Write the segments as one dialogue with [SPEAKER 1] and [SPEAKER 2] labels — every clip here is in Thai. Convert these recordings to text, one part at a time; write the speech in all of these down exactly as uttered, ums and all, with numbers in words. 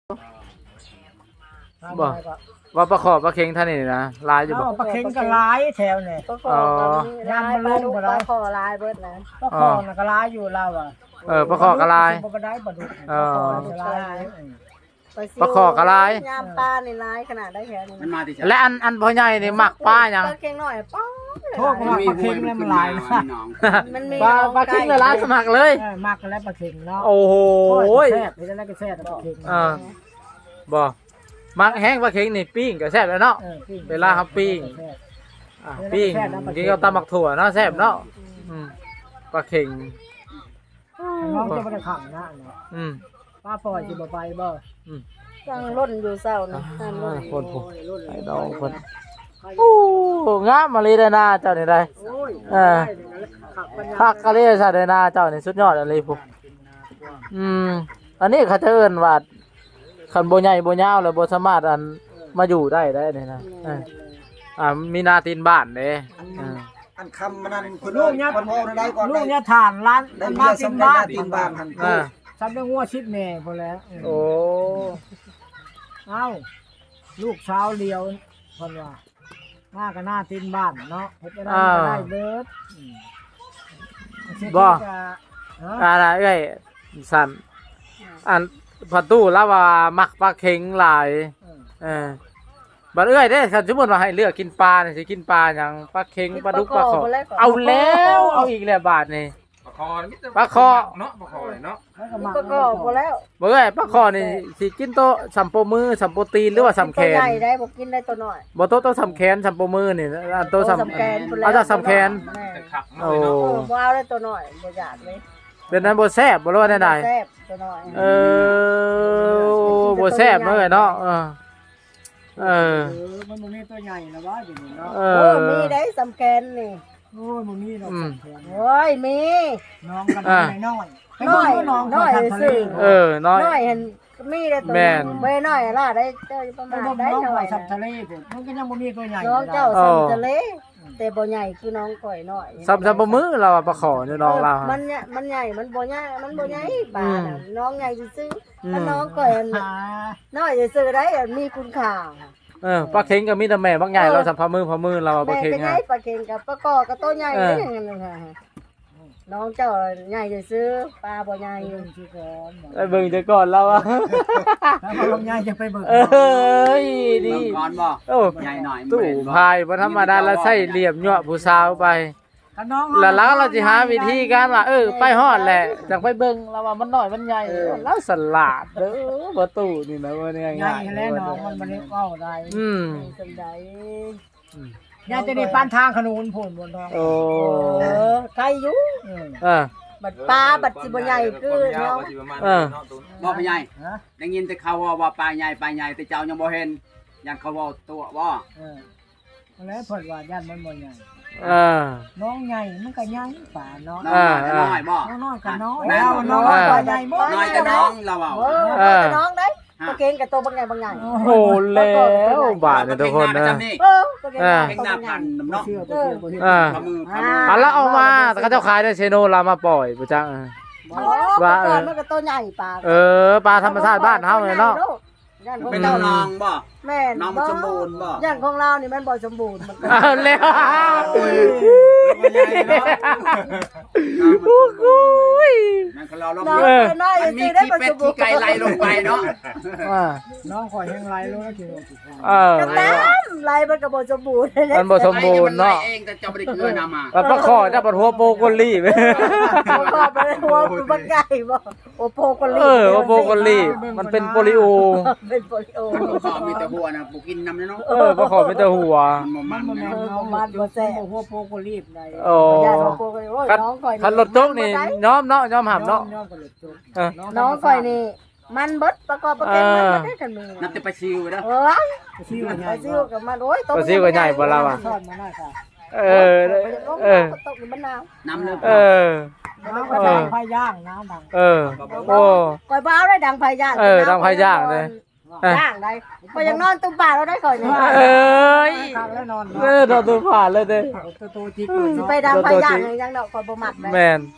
[SPEAKER 1] บ่ว่าปลาขอบปลาเค็งท่านนี่นะลายอยู่บ่
[SPEAKER 2] ปลาเค็งก็ร้ายแถวเนี่ย
[SPEAKER 3] ปลาคอลายปลาดุกปลาคอลายเบิดนะ
[SPEAKER 2] ปลาคอน่ะก็ร้ายอยู่เราอ่ะ
[SPEAKER 1] เออปลาขอกระลาย
[SPEAKER 2] ปลาก็ได้ปลาดุก
[SPEAKER 1] เออ
[SPEAKER 2] ปลาร้าย
[SPEAKER 1] ปลาคอกระลาย
[SPEAKER 3] ยามปลาในลายขนาดได้แค่นี้
[SPEAKER 4] มันมาที่
[SPEAKER 1] และอันอันพ่อใหญ่นี่มักปลาหยัง
[SPEAKER 3] ปลาเค็งหน่อยป้า
[SPEAKER 2] โทษว่าปลาเค็งเนี่ยมันหลายนะ
[SPEAKER 3] มันมี
[SPEAKER 1] ปลาปลาเค็งในร้านสมัครเลย
[SPEAKER 2] เออมากกันแล้วปลาเค็งเนาะ
[SPEAKER 1] โอ้โห
[SPEAKER 2] แซ่บเห็นแล้วก็แซ่บปลาเค็ง
[SPEAKER 1] เออบ่มักแห้งปลาเค็งนี่ปิ้งก็แซ่บแล้วเนาะ
[SPEAKER 2] ออปิ้ง
[SPEAKER 1] เวลาเขาปิ้ง
[SPEAKER 2] แซ่บ
[SPEAKER 1] อ่ะปิ้งกินกับตำบักถั่วเนาะแซ่บเนาะอืมปลาเค็ง
[SPEAKER 2] น้องจะไม่ได้ขังนะเนาะ
[SPEAKER 1] อืม
[SPEAKER 2] ป้าปล่อยสิบ่ไปบ่
[SPEAKER 3] ตั้งร่นอยู่เศร้านี่ตั้งร่น
[SPEAKER 1] คนผมไอ้ดองคนโอ้งามมาเลยได้นาเจ้านี่ได้
[SPEAKER 2] โอ้ย
[SPEAKER 1] เออ คักกะเลยซะได้นาเจ้านี่สุดยอดอะไรพวกอืมอันนี้เขาจะเอิ้นว่าคันบ่ใหญ่บ่ยาวแล้วบ่สามารถอันมาอยู่ได้ได้นี่นะเอออ่ามีนาตีนบ้านเด้เออ
[SPEAKER 4] อันคำมันนั่นคน
[SPEAKER 2] ลูกเนี่ย
[SPEAKER 4] คนโง่ได้ก่อน
[SPEAKER 2] ลู
[SPEAKER 4] ได้
[SPEAKER 2] กเนี่ยฐานร้าน
[SPEAKER 4] ได้
[SPEAKER 2] มา
[SPEAKER 4] เมีย
[SPEAKER 2] กิน
[SPEAKER 4] สำเร็
[SPEAKER 2] บ้า
[SPEAKER 4] จ
[SPEAKER 2] น
[SPEAKER 4] ตีนบ้านทัน
[SPEAKER 1] อ่า
[SPEAKER 2] ฉันได้งัวชิดแม่พอแล้ว
[SPEAKER 1] โอ้
[SPEAKER 2] เอ้าลูกเช้าเลียวคนว่าหน้าก็หน้าตีนบ้านเนาะเฮ็ดได้ก็ได้เบิดอืมเอ
[SPEAKER 1] อะไรเอ้ยสั่นอันประตูแล้วว่ามักปลาเค็งหลายเออบัดเอ้ยเด้คันสมมุติว่าให้เลือกกินปลานี่สิกินปลาหยังปลาเค็งปลาดุกปลาขอเอาแล้วเอาอีกแล้วบาทนี่
[SPEAKER 5] ปลาคอนี่
[SPEAKER 1] ปลาคอ
[SPEAKER 5] เนาะปลาคอเนาะ
[SPEAKER 3] ปลาคอพอแล้ว
[SPEAKER 1] บ่เอ้ยปลาคอนี่สิกินโตะสัมโปมือสัมโปตีนหรือว่าสัมแข
[SPEAKER 3] ตัวน ใหญ่ได้บ่กินได้ตัวน้อย
[SPEAKER 1] บ่โตะโตะสัมแขนสัมโปมือนี่อันโตะสัม
[SPEAKER 3] แกน
[SPEAKER 1] เอาจากสัมแขน
[SPEAKER 5] แต่ขับ
[SPEAKER 1] โอ้
[SPEAKER 5] เนาะ
[SPEAKER 3] โอ้ว้าวได้ตัวน้อยบ่อยากเลย
[SPEAKER 1] เป็นนั้นบ่แซ่บบ่รู้ว่าได้ใด
[SPEAKER 3] แซ่บตัวน้อย
[SPEAKER 1] เออบ่แซ่บเนาะเนาะเออเออ
[SPEAKER 2] เออมันบ่มีตัวใหญ่นะว่าอยู่นี่เนาะ
[SPEAKER 1] เอ
[SPEAKER 3] โอ้
[SPEAKER 1] อ
[SPEAKER 3] มีได้สำแกนนี่
[SPEAKER 2] โอ้ยบ่มีดอก
[SPEAKER 1] อืม
[SPEAKER 2] สังเกต
[SPEAKER 3] โอ้ยมี
[SPEAKER 2] น้องกัน
[SPEAKER 1] อ่า
[SPEAKER 2] น้อยๆไป
[SPEAKER 3] น้อย
[SPEAKER 2] เบิ่งน้อง
[SPEAKER 3] น้อย
[SPEAKER 2] ทางทะเล
[SPEAKER 3] ซื่อ
[SPEAKER 1] เออน้อย
[SPEAKER 3] น้อยเห็นมีได้ตัว
[SPEAKER 1] แม่น
[SPEAKER 3] เว้ยน้อยล่ะได้เจ้าประ
[SPEAKER 2] ไป
[SPEAKER 3] มาณ
[SPEAKER 2] เบิ่ง
[SPEAKER 3] ได้
[SPEAKER 2] น้อง
[SPEAKER 3] หน่
[SPEAKER 2] ไป
[SPEAKER 3] อย
[SPEAKER 2] สับทะเลพุ่นมันก็ยังบ่มีตัวใหญ่
[SPEAKER 3] น้องเจ้า
[SPEAKER 1] อ๋อ
[SPEAKER 3] สัมทะเลแต่บ่ใหญ่คือน้องก่อยน้อย
[SPEAKER 1] สัมสัมโปมือเราอะปลาขอนี่น้องเรา
[SPEAKER 3] มันเนี่ยมันใหญ่มันบ่ใหญ่มันบ่ใหญ่ปลาน่ะ
[SPEAKER 1] อืม
[SPEAKER 3] น้องใหญ่ซื่อ
[SPEAKER 1] อื
[SPEAKER 3] ๆ
[SPEAKER 1] ม
[SPEAKER 3] ถ้าน้องก่อยอัน
[SPEAKER 2] หา
[SPEAKER 3] น้อยซื่อๆได้อันมีคุณค่า
[SPEAKER 1] เออปลาเค็งก็มีแต่แม่บักใหญ่เราสัมพามือพามือเราอะปลา
[SPEAKER 3] แม่
[SPEAKER 1] เค็ง
[SPEAKER 3] ก็ใหญ่
[SPEAKER 1] ฮะ
[SPEAKER 3] ปลาเค็งกับปลากอกับตัวใหญ่
[SPEAKER 1] เออ
[SPEAKER 3] นี่อย่างนั้นค่ะน้องเจ้าใหญ่ซื่อๆปลาบ่ใหญ่
[SPEAKER 2] ไปเบิ่งสิก่อน
[SPEAKER 1] ไอ้เบิ่งจะก่อนเราอะ
[SPEAKER 2] ถ้าบ่ลงใหญ่จะไปเบิ่ง
[SPEAKER 1] เอ้ยดี
[SPEAKER 4] เบิ่งก่อนบ่
[SPEAKER 1] โอ้
[SPEAKER 4] ใหญ่หน่อย
[SPEAKER 1] ตู้พายบ่ธรรมดาแล้วใส่เหลี่ยมยั่วผู้สาวไป
[SPEAKER 2] ถ้าน้อง
[SPEAKER 1] แล้วเราเราสิหาวิธีการว่าเออไปฮอดแหละจังไปเบิ่งเราว่ามันน้อยมันใหญ่แล้วสลัดเด้อบ่ตู้นี่นะว่าง่าย
[SPEAKER 2] ใหญ่
[SPEAKER 1] ๆ
[SPEAKER 2] แล้วน้องมันบ่ได้เว้าได้
[SPEAKER 1] อืม
[SPEAKER 3] จังได๋
[SPEAKER 2] ยายจะได้ปานทางขนุนพุ่นบ่น้อง
[SPEAKER 1] โอ้
[SPEAKER 3] เออไกลอยู่
[SPEAKER 2] เออ
[SPEAKER 1] เออ
[SPEAKER 3] บัดปลาบัดสิบ่ใหญ่คือเนาะ
[SPEAKER 1] เออ
[SPEAKER 4] บ่ไปใหญ่
[SPEAKER 2] ฮะ
[SPEAKER 4] ได้ยินแต่เขาว่าว่าปลาใหญ่ปลาใหญ่แต่เจ้ายังบ่เห็นยันเขาว่าตัวบ่
[SPEAKER 2] เออแล้วเพิ่นว่าย่านมันบ่ใหญ่
[SPEAKER 1] เออ
[SPEAKER 2] น้องใหญ่มันก็ใหญ่ป่าเนาะ
[SPEAKER 4] น้อยน้อยบ่
[SPEAKER 2] น้องน้อยก็น้อย
[SPEAKER 4] แม่น
[SPEAKER 2] แล้ว
[SPEAKER 4] บ่
[SPEAKER 2] น้อง
[SPEAKER 1] เออ
[SPEAKER 2] น้อยใหญ่บ่
[SPEAKER 4] น้อยแต่น้องเราเอา
[SPEAKER 3] เออแต่น้องได้ปลาเค็งกับตัวบางใหญ่บางใหญ่
[SPEAKER 1] โอ้แล้วบาทเนี่ยทุกคนนะ
[SPEAKER 3] เออปลาเค็ง
[SPEAKER 1] เออ
[SPEAKER 4] เพ่งหน้าพันเนาะ
[SPEAKER 2] เชื่อบ่เชื่อบ่เชื่อ
[SPEAKER 1] อ่า
[SPEAKER 4] พมือพมือ
[SPEAKER 1] อ่ะแล้วเอามาแต่เขาเจ้าขายได้เชโนเรามาปล่อยประจังเออ
[SPEAKER 3] ว่าเออมันก็ตัวใหญ่ปลา
[SPEAKER 1] เออปลาธรรมชาติบ้านเฮาเลยเนาะ
[SPEAKER 3] ย่านของ
[SPEAKER 4] เป็น
[SPEAKER 3] เรา
[SPEAKER 4] เจ้าน้องบ่
[SPEAKER 3] แม่น
[SPEAKER 4] น้องมันสมบูรณ์บ่
[SPEAKER 3] ย่านของเรานี่มันบ่สมบูรณ์มันก็
[SPEAKER 1] เอาแล้ว
[SPEAKER 4] มันใหญ่เนาะน้องมันสมบูรณ์มันก็เราลง
[SPEAKER 3] น้อง
[SPEAKER 1] เออ
[SPEAKER 3] น้อย
[SPEAKER 4] มันมี
[SPEAKER 3] สิได้
[SPEAKER 4] ขี้
[SPEAKER 3] บ่
[SPEAKER 4] เป็
[SPEAKER 3] ส
[SPEAKER 4] ด
[SPEAKER 3] มบูร
[SPEAKER 4] ขี้
[SPEAKER 3] ณ์
[SPEAKER 4] ไก่ไหลลงไปเนาะ
[SPEAKER 1] อ่า
[SPEAKER 2] น้องข่อยแห้งไรรู้แล้วกิน
[SPEAKER 1] เออ
[SPEAKER 3] ก็ตามไรมันก็บ่สมบูรณ์
[SPEAKER 1] มันบ่สมบูรณ์เนาะ
[SPEAKER 4] ไอ้เองแต่เจ้าบ่ได้เกลือนำมา
[SPEAKER 1] ปลาปลาคอจะปลาหัวโปโกลี่ไป
[SPEAKER 3] บ่ก็บ่ได้หัวมันใหญ่บ่โอโปโกลี
[SPEAKER 1] เออว่าโปโกลี่มันเป็นโปลิโอ
[SPEAKER 3] เป็นโปลิโอ
[SPEAKER 4] ข้าวมีแต่หัวนะปูกินน้ำเนาะ
[SPEAKER 1] เออปลาคอเป็นแต่หัว
[SPEAKER 4] มันบ่
[SPEAKER 2] มั
[SPEAKER 4] มัน น
[SPEAKER 2] บ่
[SPEAKER 4] นะ
[SPEAKER 2] แม่นน้องมันบ่แซ่บหัวโปกรีบได้
[SPEAKER 1] โอ้
[SPEAKER 3] ย่านของโปโกลีโอ้ย
[SPEAKER 1] คัน
[SPEAKER 3] น้องข่อย
[SPEAKER 1] คันรถโจ๊กนี่ย้อมเนาะย้อมหับเนาะ
[SPEAKER 2] น้องก็เลยจบ
[SPEAKER 1] เออ
[SPEAKER 3] น้องข่อยนี่มันเบิดประกอบประเก็นมันบ่ได้กันมือ
[SPEAKER 4] นับแต่ไปซิวเด้อ
[SPEAKER 3] เอ้ย
[SPEAKER 2] ชื่อว่าให
[SPEAKER 3] ไป
[SPEAKER 2] ญ่
[SPEAKER 3] ซิวกับมันโอ้ย
[SPEAKER 1] ปลาซิวก็ใหญ่กว่าเราอะ
[SPEAKER 2] ทอดมาหน้าค่ะ
[SPEAKER 1] เออเออ
[SPEAKER 3] ตกในมะนาว
[SPEAKER 4] น้ำเลย
[SPEAKER 1] เออ
[SPEAKER 2] น้ำก็ดังไฟย่างน้ำดัง
[SPEAKER 1] เออโอ้
[SPEAKER 3] ก่อยบ้าวได้ดังไฟย่าง
[SPEAKER 1] เออดังไฟย่างเลย
[SPEAKER 3] ย่างได้ก็ยังนอนตุ้มป่าเราได้ก่อยนี่
[SPEAKER 1] เอ้ย
[SPEAKER 2] ข้าวแล้วนอน
[SPEAKER 1] เออโดนตัวผ่านเลยเด้
[SPEAKER 2] ตัวโตจิก
[SPEAKER 3] สิไปดังไฟย่างยังดอกก่อยบ่มักได้
[SPEAKER 1] แมน
[SPEAKER 3] เ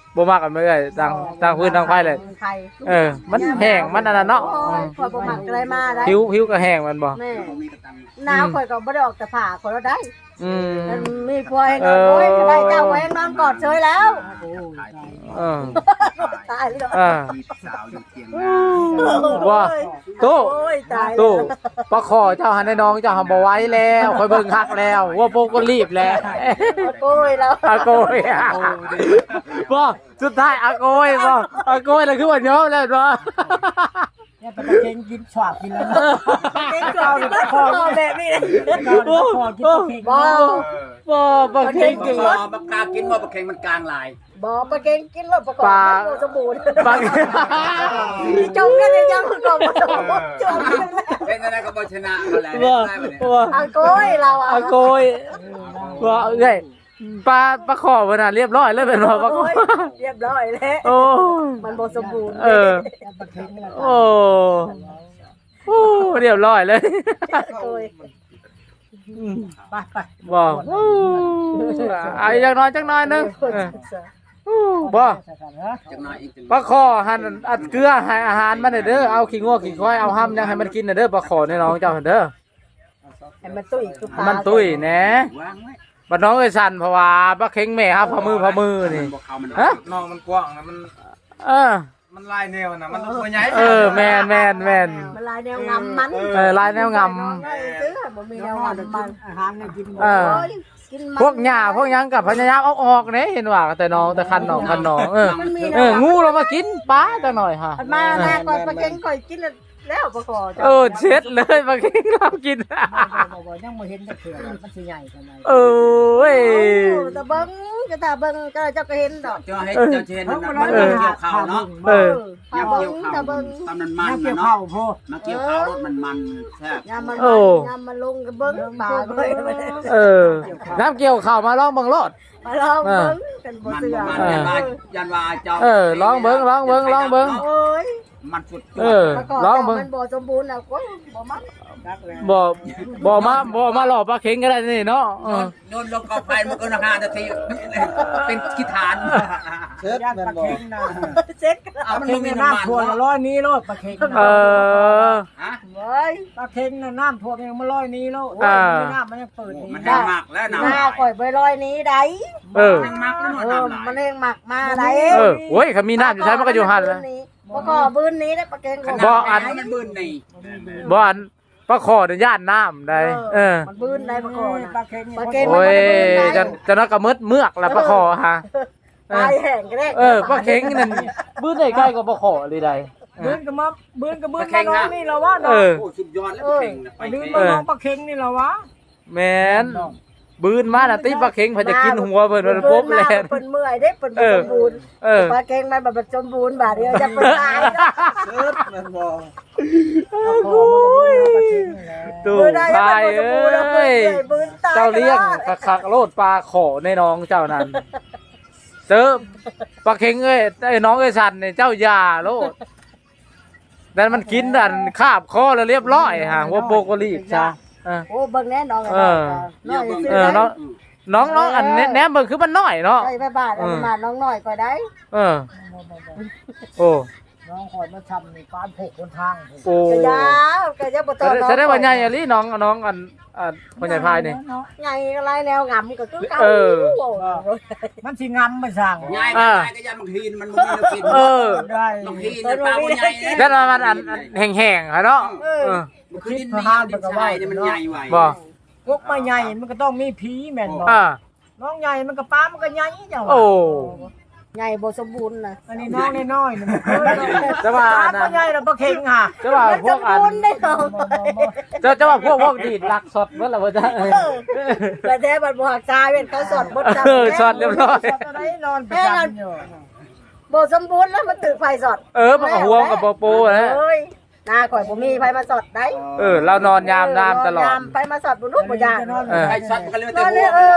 [SPEAKER 1] บ่มักกันเอ้ยต่างต่างพื้นต่างไฟเลย
[SPEAKER 3] ไฟ
[SPEAKER 1] เออ มันแห้งมันอันนั้นเนาะ
[SPEAKER 3] โอ้ยข่อยบ่มักอะไรมาได้
[SPEAKER 1] ผิวผิวก็แห้งมันบ่
[SPEAKER 3] แม่หนาวข่อยก็บ่ได้ออกแต่ผ้าข่อยแล้วได้
[SPEAKER 1] อืม
[SPEAKER 3] มันมีพวให้นอนโอ้ยได้เจ้าไว้ให้นอนกอดเฉยแล้ว
[SPEAKER 2] โอ้ย
[SPEAKER 1] เออ
[SPEAKER 3] ตายแล้ว
[SPEAKER 1] อ่า
[SPEAKER 4] สาวอยู่เตียง
[SPEAKER 1] ว่าตู้
[SPEAKER 3] โอ้ยตาย
[SPEAKER 1] ตู้ปลาขอเจ้าหันให้น้องเจ้าหันบ่ไหว้แล้วคอยเบิ่งคักแล้วว่าโปกก็รีบแล้ว
[SPEAKER 3] โอ้ยแล้ว
[SPEAKER 1] อาโกยอะบ่สุดท้ายอาโกยบ่อาโกยแล้วคือว่ายอมแล้วบ่
[SPEAKER 2] เนี่ยเป็นตะเค็งกินฉวากกินแล้วนะ
[SPEAKER 3] เด็กก่อนคอแบบนี้
[SPEAKER 2] ก่อนพอกินตะเค็ง
[SPEAKER 3] บ่
[SPEAKER 1] บ่บ่เก่ง
[SPEAKER 4] ป
[SPEAKER 1] จริง
[SPEAKER 4] ลาปลากากินว่าปลาเค็งมันกลางลาย
[SPEAKER 3] บ่ปลาเก่งกินแล้วประกอบบ่สมบูรณ์
[SPEAKER 1] บาง
[SPEAKER 3] จงกันยังประกอบบ่สมบูรณ์จงกันแล้ว
[SPEAKER 4] เป็นอะไรก็บอชนะมาแล้ว
[SPEAKER 1] บ่
[SPEAKER 4] ได้มาเนี่ย
[SPEAKER 1] บ่
[SPEAKER 3] อาโกยเราอ่ะ
[SPEAKER 1] อาโกยบ่เอ้ยปลาปลาขอเพิ่นน่ะเรียบร้อยเลยเป็นบ่ปลาขอ
[SPEAKER 3] เรียบร้อยแล้ว
[SPEAKER 1] โอ้
[SPEAKER 3] มันบ่สมบูรณ์
[SPEAKER 1] เออ
[SPEAKER 2] ตะเค็งนี่แหละ
[SPEAKER 1] โอ้โอ้เรียบร้อยเลย
[SPEAKER 3] โอ้ย
[SPEAKER 2] ไปไป
[SPEAKER 1] บอกไอ้จังน้อยจังน้อยหนึงเออบ่
[SPEAKER 4] จังน้อยอีกจัง
[SPEAKER 1] ปลาคอหั่นอัดเกลือให้อาหารมันเด้อเอาขี้งัวขี้ควายเอาห้ำยังให้มันกินเด้อปลาคอในน้องเจ้าเด้อ
[SPEAKER 3] ให้มันตุ้ยคือปลา
[SPEAKER 1] มันตุ้ยแหน่
[SPEAKER 4] วางไว้
[SPEAKER 1] บัดน้องเอ้ยสั่นเพราะว่าปลาเข็งแม่ครับพอมือพอมือนี่
[SPEAKER 4] บอกเขามัน
[SPEAKER 1] ฮะ
[SPEAKER 5] น้องมันกว้างนะมัน
[SPEAKER 1] เออ
[SPEAKER 5] มันลายแนวนะมันตัวใหญ่
[SPEAKER 1] เออแม่นแม่นแม่น
[SPEAKER 3] มันลายแนวงำมัน
[SPEAKER 1] เออลายแนวง
[SPEAKER 3] ซื้อบ่มีแนวงำมัน
[SPEAKER 2] อาหารเนี่ยกิน
[SPEAKER 1] เออ
[SPEAKER 3] โอ้ยกินมัน
[SPEAKER 1] พวกหญ้าพวกหยังกับพญายามเอาออกเนี่ยเห็นว่าแต่น้องแต่คันน้องคันน้องเออ
[SPEAKER 3] มันมีแน
[SPEAKER 1] เอ
[SPEAKER 3] ว
[SPEAKER 1] องูเรามากินปลาจังหน่อยฮะ
[SPEAKER 3] มันมาหน้าก่อนปลาเก่งก่อยกินแล้วปลาคอ
[SPEAKER 1] เออเช็ดเลยปลาเข็งเรากิน
[SPEAKER 2] บ่ยังบ่เห็นตะเค็งมันสิใหญ่กันไหน
[SPEAKER 1] เออเว้ย
[SPEAKER 3] ตะเบิ้งก็ตาเบิ้งก็เจ้าก็เห็นดอก
[SPEAKER 4] เจ้าให้เจ้าเชนมันมันเกี่ยวข้าวเนาะ
[SPEAKER 1] เออ
[SPEAKER 3] ตา
[SPEAKER 4] ย่ำ
[SPEAKER 3] เบิ้
[SPEAKER 4] เกี่ยว
[SPEAKER 3] ง
[SPEAKER 4] ข้าว
[SPEAKER 3] ตาเบิ้ง
[SPEAKER 4] ตำนันมัน
[SPEAKER 2] เกี่ยว
[SPEAKER 4] เนาะ
[SPEAKER 2] ข้าวพ่อ
[SPEAKER 4] มาเกี่ยวข้าวรถมันมันแซ่บ
[SPEAKER 3] ยามมัน
[SPEAKER 1] โอ้
[SPEAKER 3] ยามมันลงก็เบิ้งปลาก็
[SPEAKER 1] เออ น้ำเกี่ยวข่าวมาลองเบังรถ
[SPEAKER 3] มาลองเบิ้งกันบ่
[SPEAKER 4] มัน
[SPEAKER 3] เสือ
[SPEAKER 4] มัน
[SPEAKER 1] เออ
[SPEAKER 4] ยันว่ายันว่าเจ้า
[SPEAKER 1] เออลองเบิ้งลองเบิ้งลองเบิ้ง
[SPEAKER 3] โอ้ย
[SPEAKER 4] มันสุด
[SPEAKER 1] เออ
[SPEAKER 3] ประกอบ
[SPEAKER 1] ลอง
[SPEAKER 3] จาก
[SPEAKER 1] เบิ้ง
[SPEAKER 3] มันบ่สมบูรณ์น่ะโอ้ยบ่มัน
[SPEAKER 1] บ่บ่มาบ่มาหลอกปลาเข็งก็ได้นี่เนาะเออ
[SPEAKER 4] โดนลงกองไฟมันก็นาคานาทีเป็นขี้ฐาน
[SPEAKER 2] เช็ดตะเค็งนะ
[SPEAKER 3] เซ็ก
[SPEAKER 4] เอามัน
[SPEAKER 2] เค็
[SPEAKER 4] ล
[SPEAKER 2] ง
[SPEAKER 4] ง
[SPEAKER 2] ใน
[SPEAKER 4] ในน้ำมัน
[SPEAKER 2] น้ำท่วม
[SPEAKER 4] เนาะ
[SPEAKER 2] ร้อยนี้โลดตะเค็ง
[SPEAKER 1] เออ
[SPEAKER 4] ฮะ
[SPEAKER 3] เว้ย
[SPEAKER 2] ตะเค็งน่ะน้ำท่วมยังมาร้อยนี้โลด
[SPEAKER 1] อ่า
[SPEAKER 2] น้ำมันยังเปิด
[SPEAKER 4] มัน
[SPEAKER 2] นี่
[SPEAKER 4] แห้งมากแล้ว
[SPEAKER 3] ห
[SPEAKER 4] น้ำ
[SPEAKER 3] น้าข่อยไปลอยนี้ได้
[SPEAKER 1] เออ
[SPEAKER 4] แห้งมากแล้ว
[SPEAKER 3] เอ
[SPEAKER 4] น้ำ
[SPEAKER 3] อ
[SPEAKER 4] ไหล
[SPEAKER 3] มันเองหมักมาได้
[SPEAKER 1] เออโอ้ยเขามีน้ำอยู่ใช้มันก็อยู่หันแล้ว
[SPEAKER 3] บ่ก็บื้นนี้ได้ปลาเก่งของ
[SPEAKER 1] บ่อัน
[SPEAKER 4] มันบืนนี่
[SPEAKER 1] บ่อันปลาขอเนี่ยย่านน้ำได้เออ
[SPEAKER 3] มันบื้นได้ปลาคอ
[SPEAKER 2] ตะ
[SPEAKER 3] น่ะ
[SPEAKER 2] เค็ง
[SPEAKER 3] ปลาเค็ง
[SPEAKER 1] โอ้ยจะจะนักกระมืดเมือกแล้วปลาขอฮะเอ
[SPEAKER 3] ตา
[SPEAKER 1] อย
[SPEAKER 3] แห้งก็ได้
[SPEAKER 1] เออปลาเข็งนั่นบื้นได้ใกล้กับปลาขอเลยได้
[SPEAKER 2] บื้นก็มาบื้นก็บื้นมาน้องนี่เราว่า
[SPEAKER 1] เออ
[SPEAKER 4] โอ้สุดยอดแล้วเก่งนะไป
[SPEAKER 2] บื้น
[SPEAKER 4] เก่
[SPEAKER 2] มาง น้องปลาเค็งนี่เราวะ
[SPEAKER 1] แมนบืนมาน่ะติปลาเข็งเพิ่นจะกินหัวเพิ่นมันปุ๊บแลน
[SPEAKER 3] เพิ่นเมื่อยเด้เพิ่นบ่สมบูรณ์
[SPEAKER 1] เออ
[SPEAKER 3] ปลาเก่งมันแบบสมบูรณ์บาดเดียวจะเพิ่นตายเนาะ
[SPEAKER 5] เชิดมันบอก
[SPEAKER 2] โอ้ยปลาเค็งนี่แหละ
[SPEAKER 1] ตู่
[SPEAKER 3] เพิ่นได้
[SPEAKER 1] พาย
[SPEAKER 3] มันบ่สมบูรณ์แล้วเพิ่น
[SPEAKER 1] เอ้ย
[SPEAKER 3] เมื่อยบื้นตาย
[SPEAKER 1] เจ้าเลี้ยงคักๆโลดปลาขอในน้องเจ้านั่นเจอปลาเข็งเอ้ยไอ้น้องเอ้ยสันนี่เจ้าอย่าโลดแต่มันกินอันคาบคอแล้วเรียบร้อยฮะหัวโปกก็รีบจ้าเออ
[SPEAKER 3] โอ้เบิ่งแน่น้อง
[SPEAKER 1] เออ
[SPEAKER 3] น้อยซื้
[SPEAKER 1] เออน้องน้องน้องอันแนแหนมเบิ่งคือมันน้อยเนาะ
[SPEAKER 3] ใช่บ้านๆอันมาน้องน้อยก็ได้
[SPEAKER 1] เออโอ้
[SPEAKER 2] น้องคอยมาทำในการผูกคนทาง
[SPEAKER 1] โอ้
[SPEAKER 3] ก็ยาวก็จะบ่
[SPEAKER 1] แส
[SPEAKER 3] ต้อง
[SPEAKER 1] ดงแสดงว่าใหญ่อะลิน้องน้องอันอันพ่อใหญ่พายนี่
[SPEAKER 3] ใหญ่อะไรแนวงำก็คือเก่า
[SPEAKER 1] เออ
[SPEAKER 2] มันสิงำมาสั่ง
[SPEAKER 4] ง่ายง่ายก็ยันบางทีมันมันมีกิน
[SPEAKER 1] เออ
[SPEAKER 2] ได้
[SPEAKER 4] บางทีมันปลาใหญ่
[SPEAKER 1] แล้วมันอันอันแห้งๆค่ะเนาะเออ
[SPEAKER 4] มันคือดินนี่ดินทรายเนี่ยมันใหญ่ไว้
[SPEAKER 1] บ่
[SPEAKER 2] พวกมาใหญ่มันก็ต้องมีผีแม่นบ่
[SPEAKER 1] อ่า
[SPEAKER 2] น้องใหญ่มันก็ป้ามันก็ใหญ่เจ้า
[SPEAKER 1] โอ้
[SPEAKER 3] ใหญ่บ่สมบูรณ์น่ะ
[SPEAKER 2] อันนี้น้องน้อยๆนี่มันเคย
[SPEAKER 1] จะว่า
[SPEAKER 2] ป้า
[SPEAKER 1] นะ
[SPEAKER 2] ก็ใหญ่แล้วบ่เค็งค่ะ
[SPEAKER 1] จะว่าพวกอัน
[SPEAKER 3] สมบูรณ์ได้เนาะ
[SPEAKER 1] จะจะว่าพวกพวกดีดหลักสดเมื่อไหร่ว่าจะเออ
[SPEAKER 3] แต่แท้บัดบ่หักชายเป็นเขาสดบ่จับ
[SPEAKER 1] เออสดเรียบร้อย
[SPEAKER 2] จะได้นอนประจำอยู่
[SPEAKER 3] บ่สมบูรณ์แล้วมันตึกไฟสด
[SPEAKER 1] เออมันก็ห่วงกับโปโปนะ
[SPEAKER 3] เอ้ยหน้าข่อยบ่มีไฟมาสดได้
[SPEAKER 1] เออเรานอนยามน้ำตลอด
[SPEAKER 3] ยามไฟมาสดบ่รู้บ่ยาน
[SPEAKER 1] เออ
[SPEAKER 4] ไอ้สัตว์มันก็เลย
[SPEAKER 3] น
[SPEAKER 4] แต่
[SPEAKER 3] อน
[SPEAKER 4] หั
[SPEAKER 3] เนี่
[SPEAKER 4] วย
[SPEAKER 3] เออ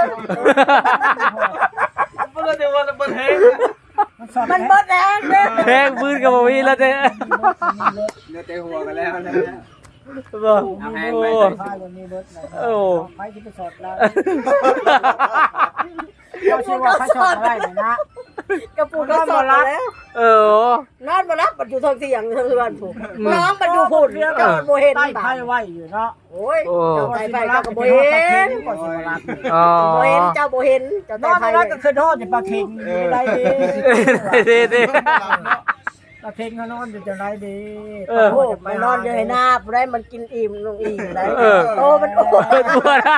[SPEAKER 5] มันก็จะว่ามันแห้ง
[SPEAKER 3] มันเบิดแรงเด้อ
[SPEAKER 1] แพงปืนกับบ่มีแล้วเจ้
[SPEAKER 4] เนื้อแต่หัวกันแล้วนะ
[SPEAKER 1] บ่
[SPEAKER 4] เอาแพง
[SPEAKER 1] โอ้
[SPEAKER 4] ไป
[SPEAKER 2] ไฟวันนี้รถนะ
[SPEAKER 1] โอ้
[SPEAKER 2] ไฟที่ไปสดแล้วเขาชื่อว่าเขาสดอะไรนะ
[SPEAKER 3] กระปูกระสอบแล้ว
[SPEAKER 1] เออน
[SPEAKER 3] อนมารับมันอยู่ทางเสียงทางเรือนผูกน้องมันอยู่พูดเจ้าโบเห็น
[SPEAKER 2] ใต้
[SPEAKER 3] บ้า
[SPEAKER 2] ไพ่ไว้อยู่เนาะ
[SPEAKER 3] โอ้ย
[SPEAKER 1] โอ้
[SPEAKER 3] เจ้าไต่ไฟเจ้าก็โบเห็น
[SPEAKER 2] ก่อนสิมารับ
[SPEAKER 1] อ๋อ
[SPEAKER 3] โบเห็นเจ้าโบเห็นเจ้าน ไต่
[SPEAKER 2] อน
[SPEAKER 3] ไฟ
[SPEAKER 2] แล้วก็คือทอดอยู่ปลาเค็งได้ดี
[SPEAKER 1] เด้เด้
[SPEAKER 2] ปลาเค็งเขานอนอยู่จะได้ดี
[SPEAKER 3] โอ้มันนอนอยู่ให้หน้าผู้ใดมันกินอิ่มลงอิ่มได้โอ้มันโอ้
[SPEAKER 1] เปิดตัวนะ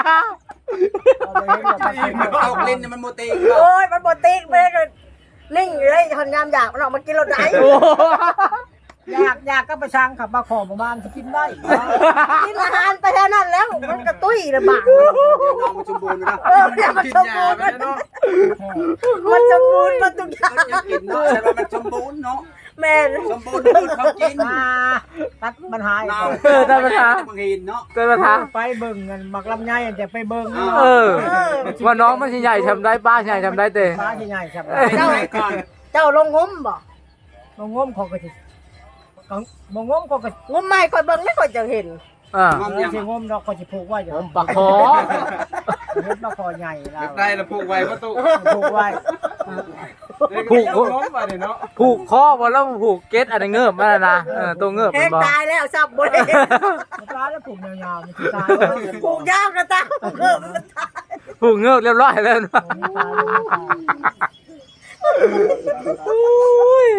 [SPEAKER 4] ตกลิ้นมันโมตี
[SPEAKER 3] โอ้ยมันบ่ติ๊กไปเลยนิ่งอยู่เลยทำยามอยากมันออกมากินรถไหน
[SPEAKER 1] โอ้
[SPEAKER 2] อยากอยากก็ไปสั่งขับมาขอประมาณจะกินได้
[SPEAKER 3] กินอาหารไปแค่นั้นแล้วมันกระตุ้ยระบาด
[SPEAKER 4] เดี๋ยวน้องมันสมบูรณ์นะ
[SPEAKER 3] เออเดี๋ยวมันสมบูรณ์มันสมบูรณ์มันทุกอย่าง
[SPEAKER 4] ยังกินเนาะใช่ว่ามันสมบูรณ์เนาะ
[SPEAKER 3] แม่
[SPEAKER 4] สมบูรณ์คือเขากิน
[SPEAKER 2] มาตัดมันหาย
[SPEAKER 4] เรา
[SPEAKER 1] เออได้ปัญหา
[SPEAKER 4] บางทีเนาะ
[SPEAKER 1] ได้ปัญหา
[SPEAKER 2] ไปเบิ่งกันมักลำไยจะไปเบิ่ง
[SPEAKER 1] เออว่าน้องมันสิใหญ่ทำได้ป้าใหญ่ทำได้เต้
[SPEAKER 2] ฟ้าที่ใหญ่ครับ
[SPEAKER 4] เจ้าก่อน
[SPEAKER 3] เจ้าลงงมบ่
[SPEAKER 2] มงงมของกระติมงงมของกระ
[SPEAKER 3] งมไม่ค่อยเบิ่งไม่ค่อยจะเห็น
[SPEAKER 1] อ่า
[SPEAKER 2] ติสิงมดอกก็สิผูกไว้อยู่
[SPEAKER 1] ผมปากคอ
[SPEAKER 2] เฮ็ดปลาคอใหญ่แล้
[SPEAKER 5] เก็
[SPEAKER 2] ว
[SPEAKER 5] บได้แล้วผูกไว้ประตู
[SPEAKER 2] ผูกไว้
[SPEAKER 5] ผูกล้มมาดิเนาะ
[SPEAKER 1] ผูกคอบ่แล้วผูกเก็ตอันนี้เงิบมาแล้วนะเออตัวเงิบ
[SPEAKER 3] แห
[SPEAKER 1] มัน
[SPEAKER 3] ก
[SPEAKER 1] บ่
[SPEAKER 3] ตายแล้วซับบ่ได้
[SPEAKER 2] ปลาแล้วผูกยาวๆมันสิตาย
[SPEAKER 3] ผูกยาวกระตาผูกเกิดมันตาย
[SPEAKER 1] ผูกเงิบเรียบร้อยแล้วนะโอ้ย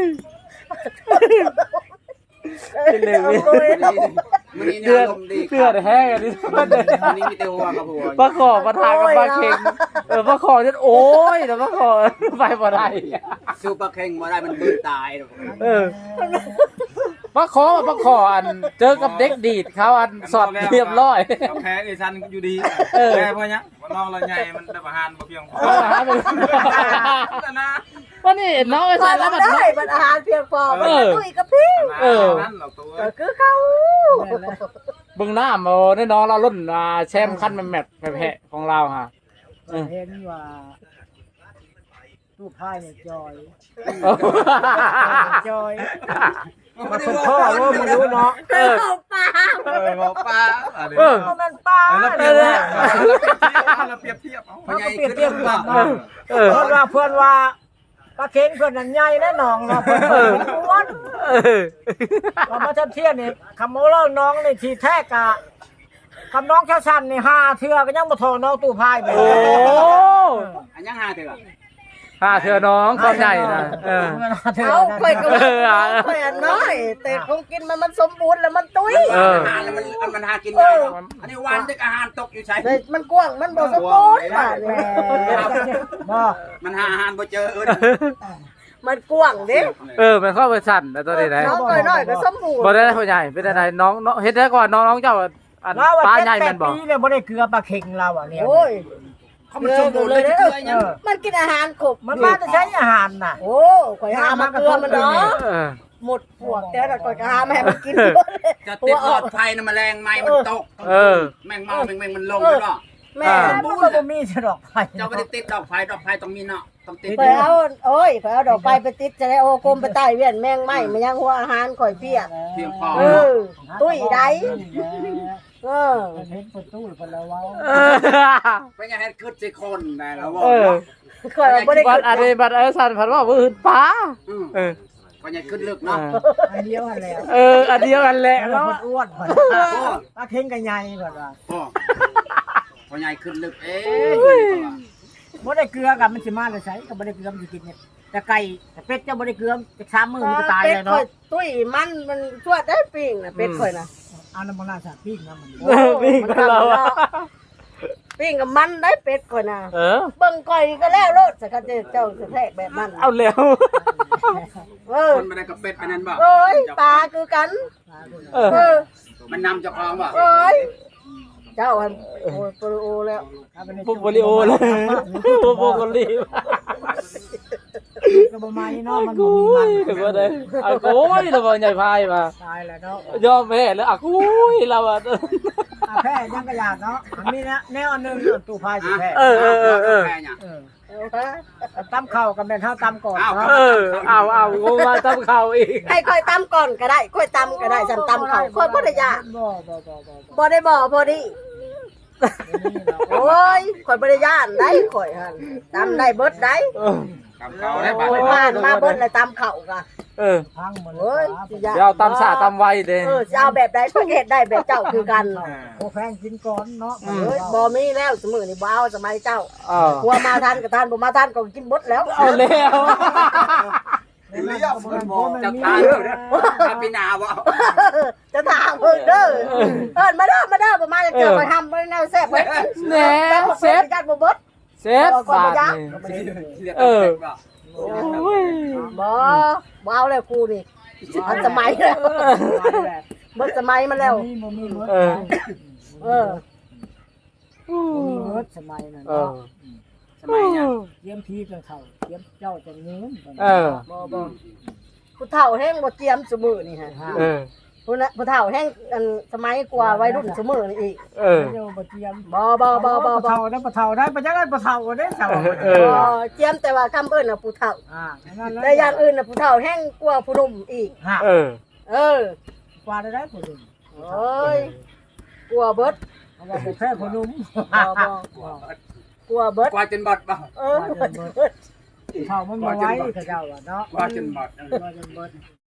[SPEAKER 1] เป็นเลย
[SPEAKER 3] เอาเลย
[SPEAKER 4] มันนี่
[SPEAKER 1] เสื้อ
[SPEAKER 4] ลมดี
[SPEAKER 1] เสื้อแห้งอันนี้
[SPEAKER 4] มันนี่มีแต่หัวกับหัว
[SPEAKER 1] ปลาขอปลาทากับปลาเค็งเออปลาขอจะโอ้ยแต่ปลาขอไปบ่ได้
[SPEAKER 4] สู้ปลาเค็งมาได้มันบืนตาย
[SPEAKER 1] เออปลาขอปลาขออันเจอกับเด็กดีดเขาอันสอดเรียบร้อย
[SPEAKER 5] เราแพ้ไอ้ชันอยู่ดี
[SPEAKER 1] เออ
[SPEAKER 5] แพ้เพราะเนี้ยว่าน้องเราใหญ่มันได้ประหารบ่เพียงพอ
[SPEAKER 1] เออหาไป
[SPEAKER 5] นั่นนะ
[SPEAKER 1] ว่านี่น้องไอ้
[SPEAKER 3] พอ
[SPEAKER 1] สารแล้ว
[SPEAKER 3] มั
[SPEAKER 1] มัน น
[SPEAKER 3] ได้มันอาหารเพียงพอมันกระตุ้ยกระพิ้ง
[SPEAKER 1] เออ
[SPEAKER 5] นั่นหรอกตัว
[SPEAKER 3] ก็คือเขา
[SPEAKER 1] เบิ่งหน้ามาในน้องเรารุ่นอ่าแชมป์ขั้นแมตช์แพ้ของเราฮะ
[SPEAKER 2] เห็นว่าตู้พายเนี่ยจอยจอย
[SPEAKER 4] มัน
[SPEAKER 2] เป็นพ่อว่ามารู้เนาะ
[SPEAKER 3] เออปลา
[SPEAKER 5] เออหมอปลาอะไร
[SPEAKER 1] เออ
[SPEAKER 2] มันป้า
[SPEAKER 5] เราเปรียบเทียบเราเปรียบเทียบเอา
[SPEAKER 4] พญายขึ้นเรื่องว่า
[SPEAKER 1] เออ
[SPEAKER 2] เพื่อนว่าเพื่อนว่าปลาเค็งเพื่อนนั้นใหญ่แน่นอนเนาะเพื่อนอ้วน
[SPEAKER 1] เออ
[SPEAKER 2] เรามาเทียนนี่คำโมเล่าน้องนี่ทีแท้กะคำน้องเช้าชันนี่ห้าเทือก็ยังมาทอน้องตู้พายไป
[SPEAKER 1] โอ้
[SPEAKER 4] อันยังหาเถอะ
[SPEAKER 1] ห้าเธอน้องความใหญ่นะเออ
[SPEAKER 3] เอาค่อยก็ค่อยน้อย แต่คงกินมันมันสมบูรณ์แล้วมันตุ้ย
[SPEAKER 1] เออ
[SPEAKER 4] อาหารแล้วมันมันหากินได้อันนี้วันเด็กอาหารตกอยู่ใช่
[SPEAKER 3] แต่มันกว้างมันบ่สมบูรณ์ป่ะเนี่ย
[SPEAKER 2] บ่
[SPEAKER 4] มันหาอาหารบ่เจอเออ
[SPEAKER 3] มันกว้างเด้
[SPEAKER 1] เออมันเข้าไปสั่นแต่ตัวนี้ไหน
[SPEAKER 3] น้องน้อยๆก็สมบูรณ์
[SPEAKER 1] บ่ได้ผู้ใหญ่เป็นอะไรน้องน้องเฮ็ดได้ก่อนน้องน้องเจ้าอัน
[SPEAKER 2] เรา
[SPEAKER 1] ปลา
[SPEAKER 2] ว่า
[SPEAKER 1] ใหญ่
[SPEAKER 2] เจ็
[SPEAKER 1] แม่
[SPEAKER 2] ด
[SPEAKER 1] น
[SPEAKER 2] แป
[SPEAKER 1] บ่
[SPEAKER 2] ดปีเนี่ยบ่ได้เกลือปลาเค็งเราอ่ะเนี่ย
[SPEAKER 3] โอ้ย
[SPEAKER 4] เขามันสมบูรณ์เลยเกลือยัง
[SPEAKER 3] มันกินอาหารครบ
[SPEAKER 2] มันมาจะใช้อาหารน่ะ
[SPEAKER 3] โอ้ข่อยหามาเกลือมันเนาะ
[SPEAKER 1] เออ
[SPEAKER 3] หมดพวกแต่ละข่อยก็หามาให้มันกิน
[SPEAKER 4] จะติดหลอดไฟนะแมลงไหม้มันตก
[SPEAKER 1] เออ
[SPEAKER 4] แมงเมาแมงแมงมันลงแล้วเนาะ
[SPEAKER 3] แม่
[SPEAKER 2] มันก็บ่มีสะดอกไฟ
[SPEAKER 4] เจ้าไม่ได้ติดดอกไฟดอกไฟต้องมีเนาะต้องติด
[SPEAKER 3] ไปเอาโอ้ยไปเอาดอกไปไปติดจะได้โอ้กลมไปใต้เวียนแมงไหม้มันยังหัวอาหารข่อยเปียก
[SPEAKER 4] เพียงพอ
[SPEAKER 3] เออตุ้ยได้เออ
[SPEAKER 2] เห็นประตูคนละเว้า
[SPEAKER 1] เออ
[SPEAKER 4] เป็นไงให้ขึ้นสิคนนะแล้วว่า
[SPEAKER 1] เออ
[SPEAKER 3] ข่อยบ่ได้
[SPEAKER 1] บั
[SPEAKER 3] กิ
[SPEAKER 1] ดอันนี้บัดเออสั่นผันว่าบ่อื่นปลา
[SPEAKER 4] อืม
[SPEAKER 1] เออ
[SPEAKER 4] ก็ยังขึ้นลึกเนาะ
[SPEAKER 2] อันเดียวกันแล้ว
[SPEAKER 1] เอออันเดียวกันแหละ
[SPEAKER 2] แล้ว
[SPEAKER 1] เนาะ
[SPEAKER 2] มันอ้วนคนปลาเค็งก็ใหญ่ก่อนว่า
[SPEAKER 4] โอ้พอใหญ่ขึ้นลึกเอ๊ะ
[SPEAKER 2] บ่ได้เกลือกับมันสิมาเลยใช้ก็บ่ได้เกลือมันสิกินเนี่ยแต่ไก่แต่เป็ดเจ้าบ่ได้เกลือจะสามมื้อมันก็ตายเลย
[SPEAKER 3] ข่อ
[SPEAKER 2] เนาะ
[SPEAKER 3] ยตุ้ยมันมันชั่วได้ปิ้งน่ะเป็ดข่อยน่ะ
[SPEAKER 2] เอาน้ำมันราดสาดปิ้งนะมัน
[SPEAKER 1] เออวิ่งกับเราอะ
[SPEAKER 3] ปิ้งกับมันได้เป็ดข่อยน่ะ
[SPEAKER 1] เออ
[SPEAKER 3] เบิ่งข่อยก็แล้วโลดสักกะเจ้าสิแทกแบบนั้น
[SPEAKER 1] เอาแล้ว
[SPEAKER 3] เออ
[SPEAKER 4] คนไม่ได้กับเป็ดอันนั้นบ่
[SPEAKER 3] โอ้ยปลาคือกัน
[SPEAKER 1] เออ
[SPEAKER 3] เออ
[SPEAKER 4] มันนำเจ้าของบ่
[SPEAKER 3] โอ้ยเจ้าอันโอ้ยโปรโอแล้ว
[SPEAKER 1] ปุ๊บโบริโอเลยปุ๊บโบกลี
[SPEAKER 2] ก็บ่มาเนาะมันบ่
[SPEAKER 1] กู
[SPEAKER 2] มีมัน
[SPEAKER 1] ยเดี๋ยวก่อนเลยอ่ะโอ้ยเราบอกใหญ่พายมา
[SPEAKER 2] ตายแล้วเนาะ
[SPEAKER 1] ยอมแพ้แล้วอ่ะกูยเราอ่ะ
[SPEAKER 2] อ่ะแพ้ยังกระยาดเนาะอันนี้นะแนวอันหนึงตู้พายสิแพ้
[SPEAKER 1] เออเออเออเออ
[SPEAKER 4] แพ้เนี่ย
[SPEAKER 2] เออ
[SPEAKER 3] เอาฮะ
[SPEAKER 2] ตำข้าวกับแม่นเฮาตำก่อน
[SPEAKER 4] อ้าว
[SPEAKER 2] เนาะ
[SPEAKER 1] เออเอาเอากูมาทำข่าวอีก
[SPEAKER 3] ให้ค่อยตำก่อนก็ได้ค่อยตำก็ได้ฉันตำเขาค่อยบ่ได้ยาก
[SPEAKER 2] บ่บ่บ่บ่บ่
[SPEAKER 3] บ่ได้บ่พอดี
[SPEAKER 2] นี่เนาะ
[SPEAKER 3] โอ้ยข่อยบ่ได้ย่านได้ข่อยหั่นตำได้เบิดได้
[SPEAKER 1] เออ
[SPEAKER 5] กำเขาได้บาด
[SPEAKER 3] โอ้ยผ่านมาเบิ้ลเลยตามเข่ากะ
[SPEAKER 1] เออ
[SPEAKER 2] พังหมดเล
[SPEAKER 3] เฮ้
[SPEAKER 2] ย
[SPEAKER 3] ยสิยะ
[SPEAKER 1] เดี๋ยวเอาตำสาตำไวเด้
[SPEAKER 3] เออจะเอาแบบใดก็เฮ็ดได้แบบเจ้าคือกัน
[SPEAKER 2] โอ้แพงกินก่อนเนาะ
[SPEAKER 3] เฮ้ยบ่มีแล้วสมือนี่บ่เอาสมัยเจ้า
[SPEAKER 1] เออ
[SPEAKER 3] หัวมาทันก็ทันบ่มาทันก็กินบดแล้ว
[SPEAKER 1] เอาแล้ว
[SPEAKER 5] เลี้ยบมันบอก
[SPEAKER 2] จะ
[SPEAKER 5] จะ
[SPEAKER 2] ตา
[SPEAKER 5] ตาย ย
[SPEAKER 2] เล
[SPEAKER 5] เลย ยนะปีนาบ่
[SPEAKER 3] จะถามเพิ่นเด้อเอิ้นมาเด้อมาเด้อบ่มาจะเจอไปทำบ่แนวแซ่บไว้
[SPEAKER 1] แหน่เซ็ต
[SPEAKER 3] จัดบ่เบิด
[SPEAKER 1] เซ็ตบาทนี่ เออ โอ้ย
[SPEAKER 3] บ่บ่เอาแล้วกูนี่มันสมัยแล้วเบิดสมัยมาแล้ว
[SPEAKER 2] มีบ่มีเบิด
[SPEAKER 1] เออ
[SPEAKER 3] เออ
[SPEAKER 2] บ่มีเบิดสมัยนั้น
[SPEAKER 1] เออ
[SPEAKER 2] เนาะ
[SPEAKER 5] สมัยเนี่ย
[SPEAKER 2] เตรียมพีกันเข้าเตรียมเจ้าจะเงิน
[SPEAKER 1] เออ
[SPEAKER 3] บ่บ่ผู้เฒ่าแห้งบ่เจียมสมือนี่ฮะ
[SPEAKER 1] เออ
[SPEAKER 3] ผู้น่ะผู้เฒ่าแห้งอันสมัยกว่าวัยรุ่นสมือนี่อีก
[SPEAKER 1] เออ
[SPEAKER 2] เจ้าบ่เตรียม
[SPEAKER 3] บ่บ่บ่บ่
[SPEAKER 2] บ่
[SPEAKER 3] บ่
[SPEAKER 2] เฒ่าได้บ่เฒ่าได้บ่จักได้บ่เฒ่าได้เฒ่า
[SPEAKER 1] เออ
[SPEAKER 3] บ่เจียมแต่ว่าคำเอิ้นน่ะผู้เฒ่า
[SPEAKER 2] อ่านั่นแหละ
[SPEAKER 3] แต่อย่างอื่นน่ะผู้เฒ่าแห้งกว่าผู้หนุ่มอีก
[SPEAKER 2] ฮะ
[SPEAKER 1] เออ
[SPEAKER 3] เออ
[SPEAKER 2] กว่าได้ได้ผู้หนุ่ม
[SPEAKER 3] โอ้ยกลัวเบิด
[SPEAKER 2] เพราะว่าบ่แพ้ผู้หนุ่ม
[SPEAKER 3] บ่บ่กลัวเบิด
[SPEAKER 5] กว่าจนบอดบ่
[SPEAKER 3] เออกลัวเบิด
[SPEAKER 2] เฒ่ามันบ่ไหวเขาเจ้าว่าเนาะ
[SPEAKER 5] กว่าจนบอด
[SPEAKER 2] กว่าจนเบิด